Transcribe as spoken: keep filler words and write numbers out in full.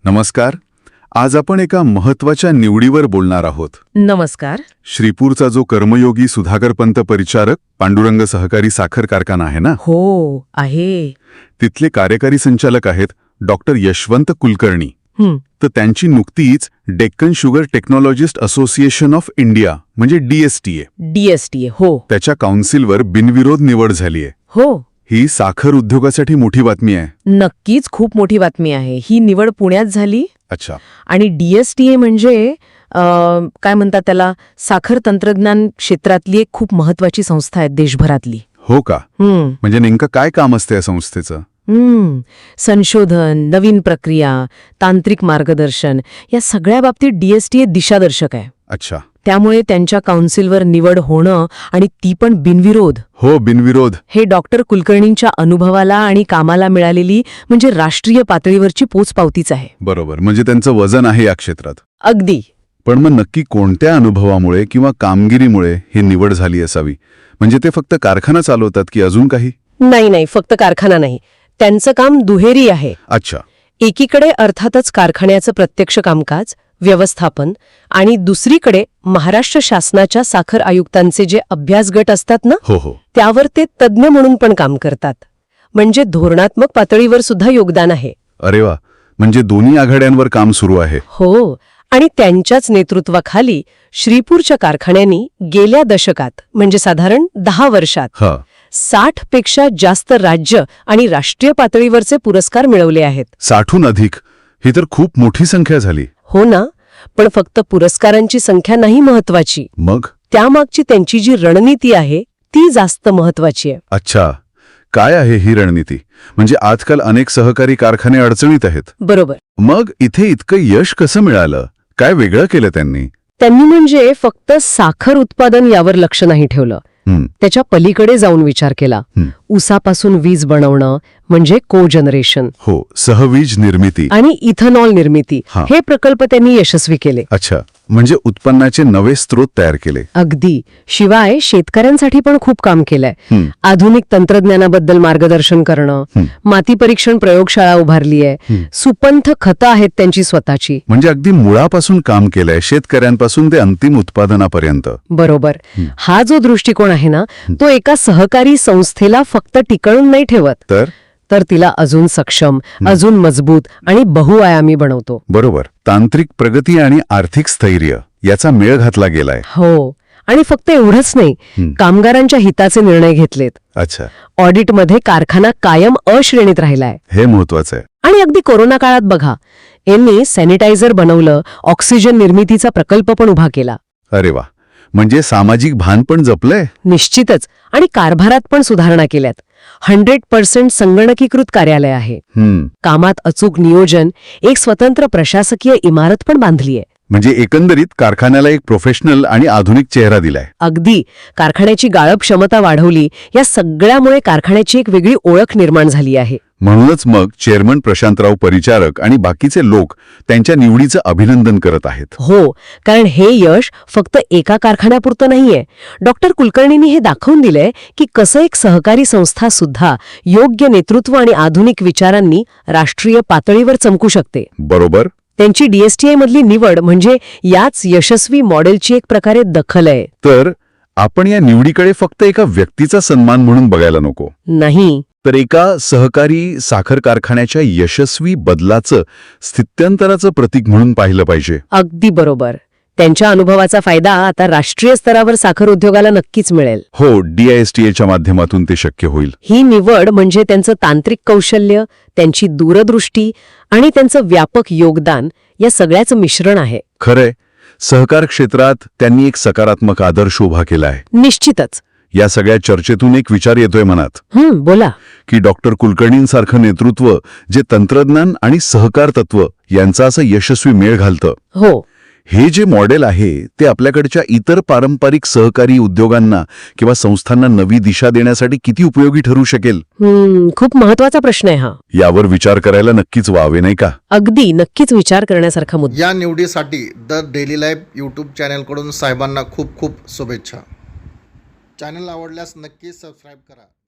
नमस्कार. आज आपण एका महत्वाच्या निवडीवर बोलणार आहोत. नमस्कार. श्रीपूरचा जो कर्मयोगी सुधाकरपंत परिचारक पांडुरंग सहकारी साखर कारखाना आहे ना, हो आहे. तिथले कार्यकारी संचालक आहेत डॉक्टर यशवंत कुलकर्णी. हं, तर त्यांची नुकतीच Deccan sugar technologist association of India म्हणजे डीएसटीए डीएसटीए. हो त्याच्या काउन्सिलवर बिनविरोध निवड झालीय. हो ही साखर उद्योगासाठी मोठी बातमी आहे. नक्कीच खूप मोठी बातमी आहे. ही निवड पुण्यात झाली अच्छा. आणि डीएसटीए म्हणजे अं, काय म्हणतात त्याला, साखर तंत्रज्ञान क्षेत्रातली एक खूप महत्वाची संस्था आहे देशभरातली. हो का? हं, म्हणजे नेमकं काय काम असते या संस्थेचं? हं. संशोधन, नवीन प्रक्रिया, तांत्रिक मार्गदर्शन या सगळ्या बाबतीत डीएसटीए दिशादर्शक आहे. अच्छा. त्यामुळे त्यांच्या काउन्सिलवर निवड होणं आणि ती पण बिनविरोध, हो, बिनविरोध. हे डॉक्टर कुलकर्णींच्या अनुभवाला आणि कामाला मिळालेली म्हणजे राष्ट्रीय पातळीवरची पोचपावतीच आहे. बरोबर. म्हणजे त्यांचं वजन आहे या क्षेत्रात. अगदी. पण मग नक्की कोणत्या अनुभवामुळे किंवा कामगिरीमुळे ही निवड झाली असावी? म्हणजे ते फक्त कारखाना चालवतात की अजून काही? नाही नाही फक्त कारखाना नाही, त्यांचं काम दुहेरी आहे. अच्छा. एकीकडे अर्थातच कारखान्याचं प्रत्यक्ष कामकाज, व्यवस्थापन, आणि दुसरीकडे महाराष्ट्र शासनाच्या साखर आयुक्तांचे जे अभ्यास गट असतात ना, हो हो. त्यावर ते तज्ज्ञ म्हणून पण काम करतात. म्हणजे धोरणात्मक पातळीवर सुद्धा योगदान आहे. अरे वा. म्हणजे दोन्ही आघाड्यांवर काम सुरू आहे. हो. आणि त्यांच्याच नेतृत्वाखाली श्रीपूरच्या कारखान्यांनी गेल्या दशकात म्हणजे साधारण दहा वर्षात हा. साठ पेक्षा जास्त राज्य आणि राष्ट्रीय पातळीवरचे पुरस्कार मिळवले आहेत. साठहून अधिक. ही तर खूप मोठी संख्या झाली. हो ना. पण फक्त पुरस्कारांची संख्या नाही महत्वाची, मग? त्यामागची त्यांची जी रणनीती आहे ती जास्त महत्वाची आहे. अच्छा. काय आहे ही रणनीती? म्हणजे आजकाल अनेक सहकारी कारखाने अडचणीत आहेत. बरोबर. मग इथे इतकं यश कसं मिळालं? काय वेगळं केलं त्यांनी? त्यांनी म्हणजे फक्त साखर उत्पादन यावर लक्ष नाही ठेवलं, हं, त्याच्या पलीकडे जाऊन विचार केला. हं. ऊसापासून वीज बनवणं म्हणजे को जनरेशन हो, सहवीज निर्मिती. आणि इथेनॉल निर्मिती, हा. हे प्रकल्प त्यांनी यशस्वी केले. अच्छा. म्हणजे उत्पन्नाचे नवे स्रोत तयार केले. अगदी. शिवाय शेतकऱ्यांसाठी पण खूप काम केलंय. हं, आधुनिक तंत्रज्ञानाबद्दल मार्गदर्शन करणं, हं. माती परीक्षण प्रयोगशाळा उभारली आहे, हं. सुपंथ खतं आहेत त्यांची स्वतःची. म्हणजे अगदी मुळापासून काम केलंय, शेतकऱ्यांपासून ते अंतिम उत्पादनापर्यंत. बरोबर. हं. हा जो दृष्टिकोन आहे ना, तो एका सहकारी संस्थेला फक्त टिकवून नाही ठेवत, तर तर तिला अजून सक्षम, अजून मजबूत आणि बहुआयामी बनवतो. बरोबर. तांत्रिक प्रगती आणि आर्थिक स्थैर्य याचा मेळ घातला गेलाय. हो. आणि फक्त एवढंच नाही, हं. कामगारांच्या हिताचे निर्णय घेतलेत. अच्छा. ऑडिटमध्ये कारखाना कायम अ श्रेणीत राहिलाय. हे महत्वाचं आहे. आणि अगदी कोरोना काळात बघा, यांनी सॅनिटायझर बनवलं, ऑक्सिजन निर्मितीचा प्रकल्प पण उभा केला. अरे वा. म्हणजे सामाजिक भान पण जपलंय. निश्चितच. आणि कारभारात पण सुधारणा केल्यात. हंड्रेड पर्सेंट संगणकीकृत कार्यालय आहे. हं. कामात अचूक नियोजन, एक स्वतंत्र प्रशासकीय इमारत पण बांधलीय. म्हणजे एकंदरीत कारखान्याला एक प्रोफेशनल आणि आधुनिक चेहरा दिलाय. अगदी. कारखान्याची गाळप क्षमता वाढवली. या सगळ्यामुळे कारखान्याची एक वेगळी ओळख निर्माण झाली आहे. म्हणूनच मग चेअरमन प्रशांतराव परिचारक आणि बाकीचे लोक त्यांच्या निवडीचं अभिनंदन करत आहेत. हो. कारण हे यश फक्त एका कारखान्यापुरतं नाहीये. डॉक्टर कुलकर्णींनी हे दाखवून दिलंय की कसं एक सहकारी संस्था सुद्धा योग्य नेतृत्व आणि आधुनिक विचारांनी राष्ट्रीय पातळीवर चमकू शकते. बरोबर. त्यांची डीएसटीए मधली निवड म्हणजे याच यशस्वी मॉडेलची एक प्रकारे दखल आहे. तर आपण या निवडीकडे फक्त एका व्यक्तीचा सन्मान म्हणून बघायला नको, नाही, तर एका सहकारी साखर कारखान्याच्या यशस्वी बदलाचं, स्थित्यंतराचं प्रतीक म्हणून पाहिलं पाहिजे. अगदी बरोबर. त्यांच्या अनुभवाचा फायदा आता राष्ट्रीय स्तरावर साखर उद्योगाला नक्कीच मिळेल. हो, डीआयएसटीएच्या माध्यमातून ते शक्य होईल. ही निवड म्हणजे त्यांचं तांत्रिक कौशल्य, त्यांची दूरदृष्टी आणि त्यांचं व्यापक योगदान या सगळ्याचं मिश्रण आहे. खरंय. सहकार क्षेत्रात त्यांनी एक सकारात्मक आदर्श उभा केला आहे. निश्चितच. या सगळ्या चर्चेतून एक विचार येतोय मनात, हं, बोला. की डॉक्टर कुलकर्णींसारखं नेतृत्व जे तंत्रज्ञान आणि सहकार तत्व यांचा असं यशस्वी मेळ घालतं, हो, हे जे मॉडेल आहे ते आपल्याकडच्या इतर पारंपरिक सहकारी उद्योगांना किंवा संस्थांना नवी दिशा देण्यासाठी किती उपयोगी ठरू शकेल? हं, खूप महत्वाचा प्रश्न आहे हा. यावर विचार करायला नक्कीच वावे, नाही का? अगदी. नक्कीच विचार करण्यासारखा मुद्दा. या निवडीसाठी द डेली लाईफ यूट्यूब चॅनलकडून साहेबांना खूप खूप शुभेच्छा. चॅनल आवडल्यास नक्की सबस्क्राईब करा.